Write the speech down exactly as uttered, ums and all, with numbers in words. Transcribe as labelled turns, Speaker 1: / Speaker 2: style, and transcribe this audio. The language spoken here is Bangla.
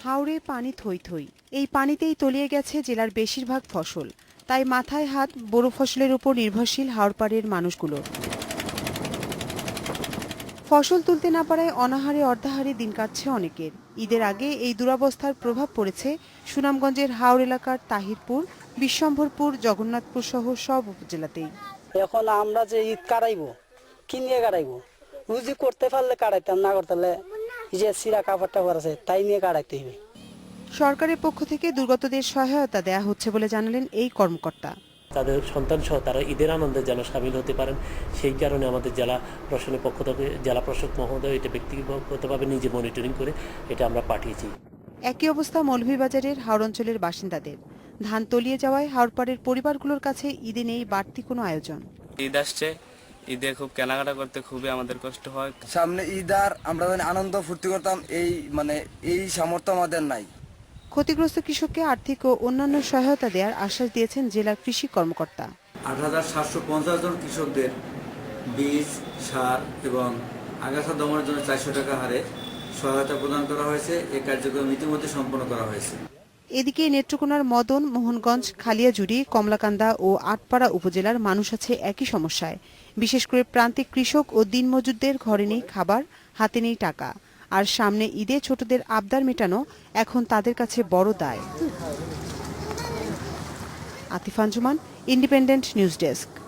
Speaker 1: হাওরে পানি থই থই। এই পানিতেই তলিয়ে গেছে জেলার বেশিরভাগ ফসল। তাই মাথায় হাত বোরো ফসলের উপর নির্ভরশীল হাওরপাড়ের মানুষগুলোর। ফসল তুলতে না পারায় অনাহারে অর্ধাহারে দিন কাটছে অনেকের। ঈদের আগে এই দুরবস্থার প্রভাব পড়েছে সুনামগঞ্জের হাওর এলাকার তাহিরপুর, বিশ্বম্ভরপুর, জগন্নাথপুর সহ সব উপজেলাতেই।
Speaker 2: এখন আমরা যে ঈদ কাটাইবো কি নিয়ে কাটাইবো, রুজি করতে পারলে কাটাইতাম, না করতে পারলে যে সিরা কাপড় টাপড় আছে তাই নিয়ে কাটাইতে হবে।
Speaker 1: সরকারের পক্ষ থেকে দুর্গতদের সহায়তা দেয়া হচ্ছে বলে জানালেন এই কর্মকর্তা।
Speaker 3: তাদের সন্তান সহ তারা ঈদের আনন্দে যেন সামিল হতে পারেন, সেই কারণে আমাদের জেলা প্রশাসনের পক্ষ থেকে জেলা প্রশাসক মহোদয় এটা ব্যক্তিগতভাবে নিজে মনিটরিং করে এটা আমরা পাঠিয়েছি।
Speaker 1: একই অবস্থা মৌলভীবাজারের হাওর অঞ্চলের বাসিন্দাদের। ধান তলিয়ে যাওয়ায় হাওরপাড়ের পরিবারগুলোর কাছে ঈদে নেই বাড়তি কোনো আয়োজন।
Speaker 4: ঈদ আসছে, ঈদে খুব কেনাকাটা করতে খুবই আমাদের কষ্ট হয়।
Speaker 5: সামনে ঈদ আর আমরা আনন্দ ফুর্তি করতাম, এই মানে এই সামর্থ্য আমাদের নাই।
Speaker 1: ক্ষতিগ্রস্ত কৃষককে আর্থিক ও অন্যান্য সহায়তা দেওয়ার আশ্বাস দিয়েছেন জেলার কৃষি কর্মকর্তা।
Speaker 6: আট হাজার সাতশো পঞ্চাশ জন কৃষকদের বীজ, সার এবং আগাছা দমনের জন্য চারশো টাকা হারে সহায়তা প্রদান করা হয়েছে। এই কার্যক্রম ইতিমধ্যে সম্পন্ন করা হয়েছে।
Speaker 1: এদিকে নেত্রকোনার মদন, মোহনগঞ্জ, খালিয়াজুড়ি, কমলাকান্দা ও আটপাড়া উপজেলার মানুষ আছে একই সমস্যায়। বিশেষ করে প্রান্তিক কৃষক ও দিনমজুরদের ঘরে নেই খাবার, হাতে নেই টাকা। আর সামনে ঈদে ছোটদের আবদার মেটানো এখন তাদের কাছে বড় দায়। Atif Anjuman, Independent news desk.